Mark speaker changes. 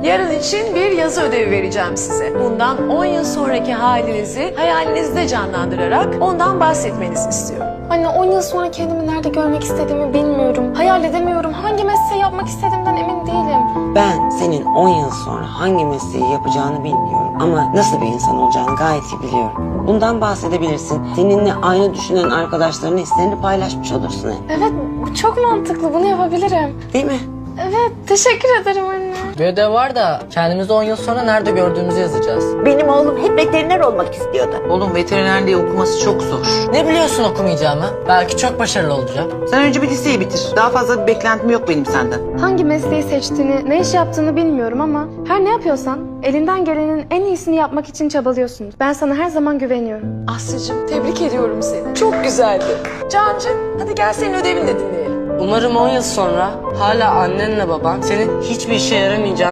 Speaker 1: Yarın için bir yazı ödevi vereceğim size. Bundan 10 yıl sonraki halinizi hayalinizde canlandırarak ondan bahsetmenizi istiyorum.
Speaker 2: Anne 10 yıl sonra kendimi nerede görmek istediğimi bilmiyorum. Hayal edemiyorum. Hangi mesleği yapmak istediğimden emin değilim.
Speaker 3: Ben senin 10 yıl sonra hangi mesleği yapacağını bilmiyorum. Ama nasıl bir insan olacağını gayet iyi biliyorum. Bundan bahsedebilirsin. Seninle aynı düşünen arkadaşlarının hislerini paylaşmış olursun hep.
Speaker 2: Evet, bu çok mantıklı. Bunu yapabilirim.
Speaker 3: Değil mi?
Speaker 2: Evet, teşekkür ederim anne.
Speaker 4: Bir ödev var da kendimizi 10 yıl sonra nerede gördüğümüzü yazacağız.
Speaker 5: Benim oğlum hep veteriner olmak istiyordu.
Speaker 6: Oğlum veterinerliği okuması çok zor.
Speaker 4: Ne biliyorsun okumayacağımı? Belki çok başarılı olacağım.
Speaker 6: Sen önce bir liseyi bitir. Daha fazla bir beklentim yok benim senden.
Speaker 2: Hangi mesleği seçtiğini, ne iş yaptığını bilmiyorum ama her ne yapıyorsan elinden gelenin en iyisini yapmak için çabalıyorsun. Ben sana her zaman güveniyorum.
Speaker 1: Aslı'cığım tebrik ediyorum seni. Çok güzeldi. Cancığım hadi gel senin ödevini de dinleyelim.
Speaker 4: Umarım 10 yıl sonra hala annenle baban senin hiçbir işe yaramayacağın